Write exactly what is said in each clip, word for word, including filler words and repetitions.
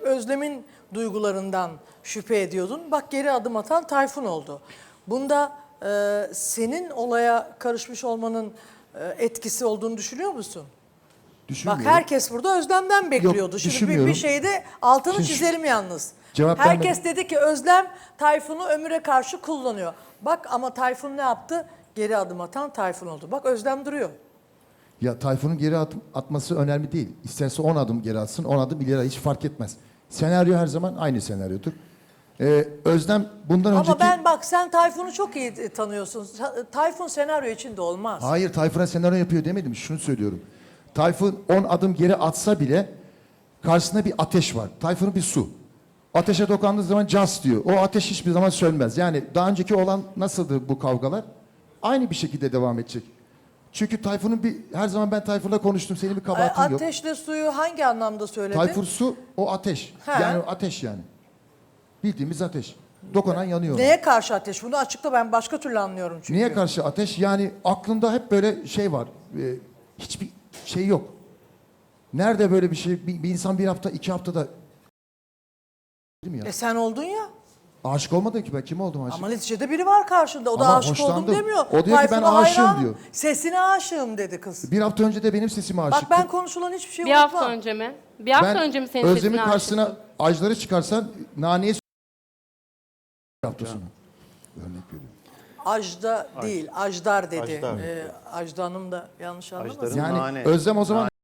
Özlem'in duygularından şüphe ediyordun. Bak geri adım atan Tayfun oldu. Bunda e, senin olaya karışmış olmanın e, etkisi olduğunu düşünüyor musun? Bak herkes burada Özlem'den bekliyordu. Yok, Şimdi bir, bir şeyde altını Şimdi çizelim yalnız. cevap Herkes vermedim. dedi ki Özlem Tayfun'u Ömür'e karşı kullanıyor. Bak ama Tayfun ne yaptı? Geri adım atan Tayfun oldu. Bak Özlem duruyor. Ya Tayfun'un geri at, atması önemli değil. İsterse on adım geri atsın, on adım ileri, hiç fark etmez. Senaryo her zaman aynı senaryodur. Ee, Özlem bundan Ama önceki... ben bak sen Tayfun'u çok iyi tanıyorsun. Tayfun senaryo içinde olmaz. Hayır, Tayfun'a senaryo yapıyor demedim. Şunu söylüyorum. Tayfun on adım geri atsa bile karşısında bir ateş var. Tayfun'un bir su. Ateşe dokandığı zaman cas diyor. O ateş hiçbir zaman sönmez. Yani daha önceki olan nasıldı bu kavgalar? Aynı bir şekilde devam edecek. Çünkü Tayfun'un bir, her zaman ben Tayfun'la konuştum, senin bir kabahatin yok. Ateşle suyu hangi anlamda söyledin? Tayfun su, o ateş. He. Yani ateş yani. Bildiğimiz ateş. Dokunan yanıyor. Neye karşı ateş? Bunu açıkla, ben başka türlü anlıyorum çünkü. Niye karşı ateş? Yani aklında hep böyle şey var. E, hiçbir şey yok. Nerede böyle bir şey? Bir, bir insan bir hafta, iki haftada... Değil mi ya? E sen oldun ya. Aşık olmadın ki ben. Kim oldum aşık? Ama neticede biri var karşında. O da Ama aşık oldum hoşlandım. demiyor. O diyor ki ben Tayfun'a aşığım hayranım. diyor. Sesine aşığım dedi kız. Bir hafta önce de benim sesime aşıktı. Bak ben konuşulan hiçbir şey Bir unutmam. hafta önce mi? Bir hafta Ben önce mi senin Özlem'in sesine karşısına aşıktın? ajları çıkarsan naneye bir hafta sonra. Örnek veriyorum. Ajda değil, Ajdar dedi. Ajdar. Ee, Ajda Hanım da yanlış anlamasın. Ajdar'ın Yani nane. Özlem o zaman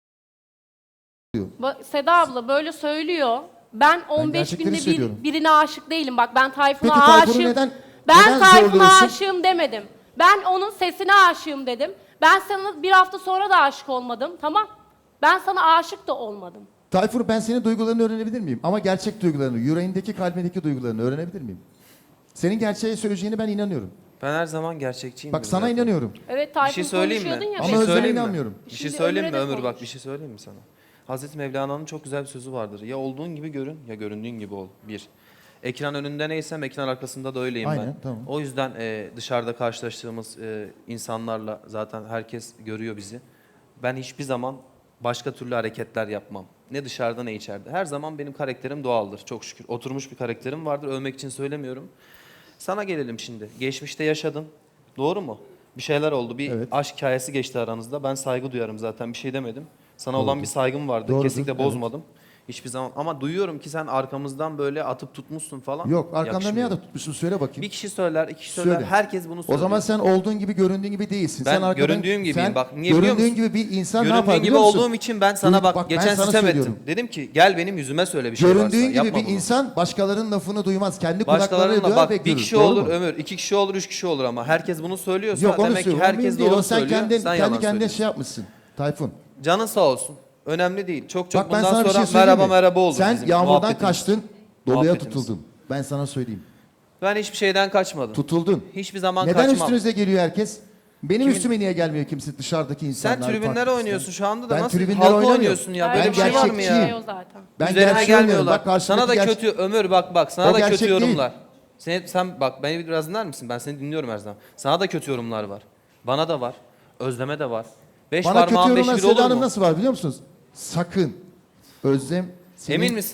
Ba- Seda abla böyle söylüyor. Ben on beş gerçekleri günde söylüyorum. bir, birine aşık değilim. Bak ben Tayfun'a Peki Tayfun'u aşığım. neden- ben neden Tayfun'a zorluyorsun? aşığım demedim. Ben onun sesine aşığım dedim. Ben sana bir hafta sonra da aşık olmadım. Tamam. Ben sana aşık da olmadım. Tayfur, ben senin duygularını öğrenebilir miyim? Ama gerçek duygularını, yüreğindeki, kalbindeki duygularını öğrenebilir miyim? Senin gerçeği söyleyeceğine ben inanıyorum. Ben her zaman gerçekçiyim. Bak sana inanıyorum. Evet Bir Tayfun şey söyleyeyim mi? konuşuyordun ya. Ama Bir şey Özlem'e söyleyeyim mi? inanmıyorum. Bir şey Şimdi söyleyeyim mi Ömür'e de Ömür? Bak konuş. bir şey söyleyeyim mi sana? Hazreti Mevlana'nın çok güzel bir sözü vardır. Ya olduğun gibi görün ya göründüğün gibi ol. Bir. Ekran önünde neysem ekran arkasında da öyleyim Aynen, ben. tamam. O yüzden e, dışarıda karşılaştığımız e, insanlarla zaten herkes görüyor bizi. Ben hiçbir zaman başka türlü hareketler yapmam. Ne dışarıda ne içeride. Her zaman benim karakterim doğaldır çok şükür. Oturmuş bir karakterim vardır. Övmek için söylemiyorum. Sana gelelim şimdi. Geçmişte yaşadın. Doğru mu? Bir şeyler oldu. Bir Evet. aşk hikayesi geçti aranızda. Ben saygı duyarım zaten. Bir şey demedim. Sana Doğrudur. olan bir saygım vardı. Doğrudur, Kesinlikle evet. bozmadım. Hiçbir zaman. Ama duyuyorum ki sen arkamızdan böyle atıp tutmuşsun falan. Yok, arkandan Yakışmıyor. niye atıp tutmuşsun, söyle bakayım. Bir kişi söyler, iki kişi söyler. Söyle. Herkes bunu söylüyor. O zaman sen olduğun gibi, göründüğün gibi değilsin. Ben sen arkadan, göründüğüm gibiyim. sen Bak, niye biliyor göründüğün musun? gibi bir insan ne Göründüğün yapar gibi biliyor musun? olduğum için ben sana Duy- bak, bak, ben geçen sana sitem söylüyorum. ettim. Dedim ki gel benim yüzüme söyle bir şey Göründüğün varsa. gibi Yapma bir bunu. insan başkalarının lafını duymaz. Kendi kulaklarıyla Başkalarının duyar bak ve bir görür. kişi Doğru olur mu? Ömür, iki kişi olur, üç kişi olur ama herkes bunu söylüyorsa Yok, onu demek ki söylüyorum. herkes Mühim değil. doğru O sen söylüyor. kendin, sen kendi yalan kendine söylüyorsun. şey yapmışsın Tayfun. Canın sağ olsun. Önemli değil. Çok çok Bak ben bundan sana bir sonra şey söyleyeyim merhaba mi? merhaba oldu Sen bizim yağmurdan muhabbetimiz. kaçtın, doluya Muhabbetimiz. tutuldun. Ben sana söyleyeyim. Ben hiçbir şeyden kaçmadım. Tutuldun. Hiçbir zaman Neden kaçmam. üstünüze geliyor herkes? Benim Kimin- üstüme niye gelmiyor kimse, dışarıdaki insanlar? Sen tribünlere farklı oynuyorsun şu anda da Ben nasıl tribünlere halka oynamıyorum. oynuyorsun ya? Böyle Ben bir şey var mı gerçekçiyim. ya? O zaten. Ben Üzerine gerçeği oynuyorum. gelmiyorlar. Bak karşımdaki Sana da gerçek- kötü Ömür bak bak sana O da gerçek kötü değil. yorumlar. Sen, sen bak beni biraz dinler misin? Ben seni dinliyorum her zaman. Sana da kötü yorumlar var. Bana da var. Özlem'e de var. Beş Bana kötü parmağın beş yorumlar bir olur Seda Hanım mu? nasıl var biliyor musunuz? Sakın. Özlem senin... Emin misin?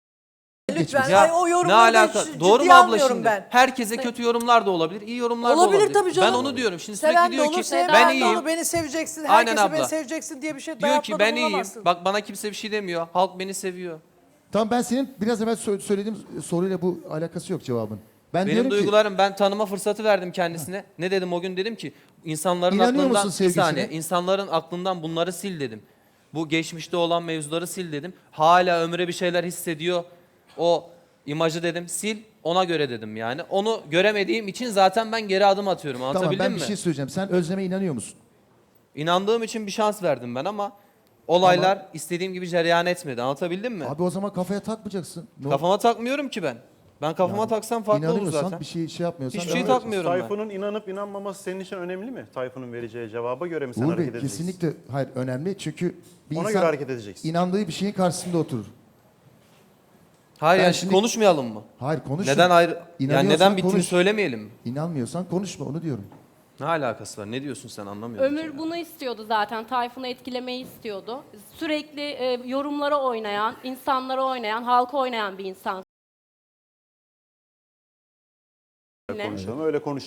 Lütfen Ya ay, o ne yorumları alaka? ciddiye Doğru mu abla almıyorum şimdi? ben. Herkese kötü yorumlar da olabilir, iyi yorumlar da Olabilir olabilir. tabii canım. Ben onu diyorum. Şimdi Seven sürekli de diyor olur, ki sevmeyen ben de iyiyim. olur, beni seveceksin, Aynen herkese beni abla. seveceksin diye bir şey Diyor ki dayatmada ben iyiyim. bulunamazsın. Bak bana kimse bir şey demiyor. Halk beni seviyor. Tamam, ben senin biraz evvel sö- söylediğim soruyla bu alakası yok cevabın. Ben Benim diyorum ki duygularım, ben tanıma fırsatı verdim kendisine. Ne dedim o gün? Dedim ki insanların İnanıyor aklından musun bir sevgisine? saniye, insanların aklından bunları sil dedim. Bu geçmişte olan mevzuları sil dedim. Hala Ömür'e bir şeyler hissediyor. O imajı dedim sil, ona göre dedim yani. Onu göremediğim için zaten ben geri adım atıyorum. tamam, Anlatabildim ben mi? bir şey söyleyeceğim. Sen Özlem'e inanıyor musun? İnandığım için bir şans verdim ben ama olaylar istediğim gibi cereyan etmedi. Anlatabildim mi? Abi o zaman kafaya takmayacaksın. Ne Kafama takmıyorum ki ben. Ben kafama taksam farklı olur İnanıyorsan, zaten. bir şey şey yapmıyorsan... Hiçbir şey devam takmıyorum ben. Tayfun'un inanıp inanmaması senin için önemli mi? Tayfun'un vereceği cevaba göre mi sen Uğur hareket Bey, edeceksin? kesinlikle hayır, önemli çünkü bir Ona insan göre hareket edeceksin. inandığı bir şeyin karşısında oturur. Hayır Ben yani şimdi- konuşmayalım mı? Hayır, konuş. Neden ayrı? Yani İnanıyorsan neden bittiğini konuş. söylemeyelim mi? İnanmıyorsan konuşma, onu diyorum. Ne alakası var? Ne diyorsun sen, anlamıyorum. Ömür bunu istiyordu zaten. Tayfun'u etkilemeyi istiyordu. Sürekli e, yorumlara oynayan, insanlara oynayan, halka oynayan bir insan. Ne? Konuşalım öyle konuş.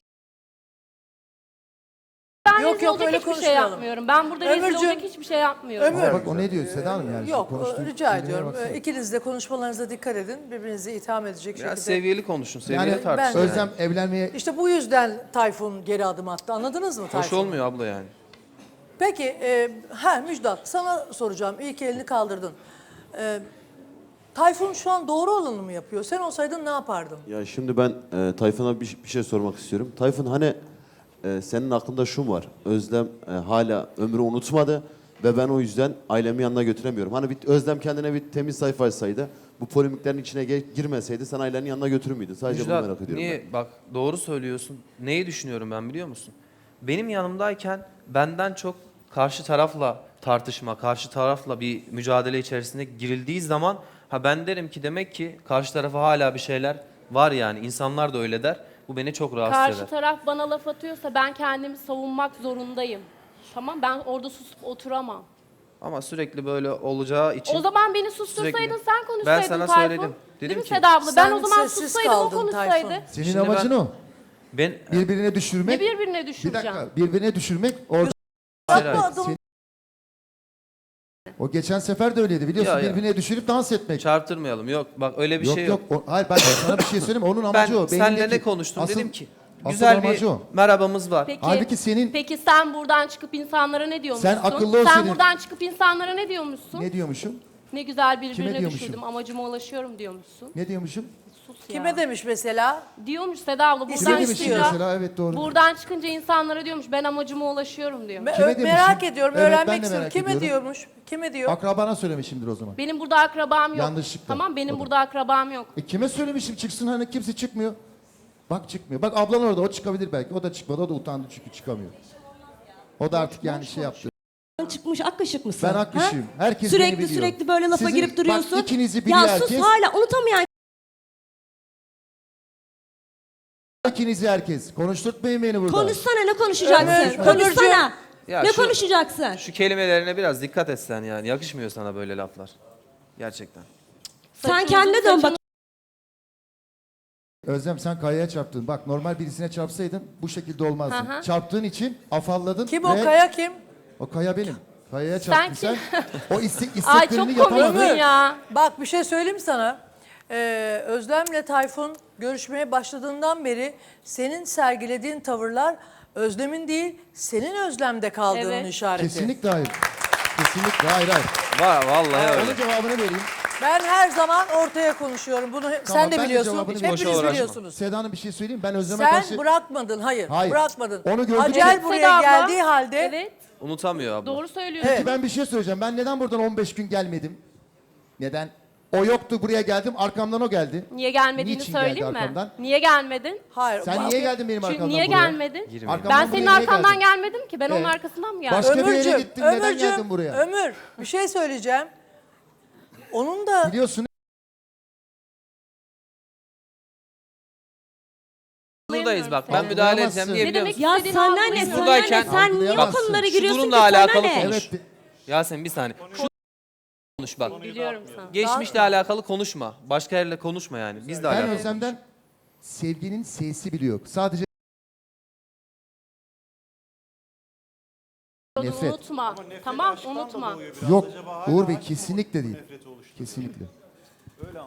Ben Yok, rezil yok, olacak öyle hiçbir şey konuşmayalım. yapmıyorum. Ben burada rezil Ömürcüğüm, olacak hiçbir şey yapmıyorum. Ömür. Bak o ne diyor Seda Hanım yani? Yok, konuştuğu rica cümlelere ediyorum. baksana. Ee, İkiniz de konuşmalarınıza dikkat edin. Birbirinizi itham edecek Biraz şekilde. seviyeli konuşun, seviyeli Yani tartışın. ben- yani. Özlem evlenmeye İşte bu yüzden Tayfun geri adım attı. Anladınız mı Tayfun? Hoş olmuyor abla yani. Peki, e, ha Müjdat sana soracağım. İyi ki elini kaldırdın. E, Tayfun şu an doğru olanı mı yapıyor? Sen olsaydın ne yapardın? Ya şimdi ben e, Tayfun'a bir, bir şey sormak istiyorum. Tayfun hani e, senin aklında şu mu var? Özlem e, hala ömrü unutmadı ve ben o yüzden ailemi yanına götüremiyorum. Hani bir, Özlem kendine bir temiz sayfa açsaydı, bu polemiklerin içine ge- girmeseydi sen ailenin yanına götürür müydün? Sadece Müjdat, bunu merak ediyorum. niye? Bak doğru söylüyorsun. Neyi düşünüyorum ben biliyor musun? Benim yanımdayken benden çok karşı tarafla tartışma, karşı tarafla bir mücadele içerisinde girildiği zaman ha ben derim ki demek ki karşı tarafa hala bir şeyler var yani. İnsanlar da öyle der. Bu beni çok rahatsız Karşı eder. taraf bana laf atıyorsa ben kendimi savunmak zorundayım. Tamam, ben orada susup oturamam. Ama sürekli böyle olacağı için... O zaman beni sustursaydın, sürekli- sen konuşsaydın Ben sana Tayfun. söyledim. Değil Dedim mi ki- Seda abla? Ben Sen o zaman sessiz sussaydım, o kaldın konuşsaydı. Tayfun. senin Şimdi amacın ben- o. Ben Birbirine Ne düşürmek. birbirine Bir düşüreceğim? dakika birbirine düşürmek orada. Hayır, hayır. Atma adımı. O geçen sefer de öyleydi biliyorsun Ya, ya. birbirine düşürüp dans etmek. çarptırmayalım. Yok bak öyle bir yok şey yok. yok. O- hayır ben sana bir şey söyleyeyim onun amacı Ben o. seninle Benimdeki- ne konuştum asıl- dedim ki asıl güzel bir amacı o. merhabamız var. Peki, Halbuki senin- peki sen buradan çıkıp insanlara ne diyormuşsun? Sen akıllı ol Sen senin. buradan çıkıp insanlara ne diyormuşsun? Ne, Ne diyormuşum? güzel birbirine diyormuşum? düşürdüm, amacıma ulaşıyorum diyormuşsun. Ne diyormuşum? Sus Kime ya. demiş mesela? Diyormuş Seda abla, buradan İsim Kime demişim istiyor. çıkınca, mesela? Evet doğru. buradan çıkınca insanlara diyormuş ben amacıma ulaşıyorum diyor. Me- Kime ö- demişim? merak ediyorum, Evet, ben öğrenmek de istiyorum. merak Kime ediyorum. diyormuş? Kime diyor? Akrabana söylemişimdir o zaman. Benim burada akrabam yok. Yanlışlıkla. Tamam, benim O da. burada akrabam yok. E kime söylemişim çıksın hani kimse çıkmıyor. Bak çıkmıyor. Bak ablan orada o çıkabilir belki. O da çıkmadı. O da utandı çünkü çıkamıyor. O da artık yani şey yaptı. Çıkmış ak kaşık mısın? Ben ak kaşığım. Herkes sürekli beni biliyor. sürekli böyle lafa Sizin- girip duruyorsun. Bak ikinizi biliyor ya herkes. sus hala unutamayan İkinizi herkes. Konuşturtmayın beni burada. konuşsana ne konuşacaksın? Ömür- Konuşsana. Ya ne şu- konuşacaksın? Şu kelimelerine biraz dikkat etsen yani. Yakışmıyor sana böyle laflar. Gerçekten. Sen Saçını- kendine dön bak. saçını- Özlem sen kayaya çarptın. Bak normal birisine çarpsaydın bu şekilde olmazdın. Hı hı. Çarptığın için afalladın. Kim ve- o kaya kim? O kaya benim. Kayaya çarptın sen. Sen O istek, Ay isteklerini çok komiksin yapamadın. ya. Bak bir şey söyleyeyim mi sana? Ee, Özlem'le Tayfun görüşmeye başladığından beri senin sergilediğin tavırlar Özlem'in değil, senin Özlem'de kaldığının Evet. işareti. Kesinlikle hayır. Kesinlikle hayır hayır. Var vallahi öyle. Onun cevabını vereyim. Ben her zaman ortaya konuşuyorum. Bunu sen Tamam, de ben de biliyorsun. cevabını Hepiniz vereyim. Boşa uğraşma. biliyorsunuz. Seda Hanım bir şey söyleyeyim. Ben Özlem'e Sen karşı... bırakmadın, hayır, Hayır. bırakmadın. Onu gördük Acel ki- buraya Seda abla, geldiği halde Evet, Unutamıyor abla. doğru söylüyorsun. Evet. Ben bir şey söyleyeceğim. Ben neden buradan on beş gün gelmedim? Neden? O yoktu buraya geldim. Arkamdan o geldi. Niye gelmediğini Niçin söyleyeyim geldi mi? arkamdan? Niye gelmedin? hayır. Sen bak- niye geldin benim Çünkü arkamdan niye buraya? gelmedin? Girmeyin. Arkamdan Ben senin buraya niye arkandan geldin? gelmedim ki. Ben onun Evet. arkasından mı geldim? Başka bir yere Ömürcüğüm, gittin. Neden Ömürcüğüm, geldin buraya? Ömür, bir şey söyleyeceğim. Onun da Biliyorsun Buradayız bak. Ben Seni. müdahale Algılayamazsın. edeceğim diye Ne biliyor demek musun? Ya istediğini senden ne? algılayamıyorum. Senden Buradayken- ne? Sen niye o Algılayamazsın. konulara Şu giriyorsun ki? durumla Sana alakalı ne? konuş. evet. Yasemin bir saniye. Şu konuş bak. Biliyorum sana. Geçmişle alakalı konuşma. Başka yerle konuşma yani. Bizle Ben alakalı. Özlem'den sevginin S'si bile yok. Sadece nefret. Unutma. Tamam, unutma. Yok. Uğur Bey kesinlikle değil. Kesinlikle.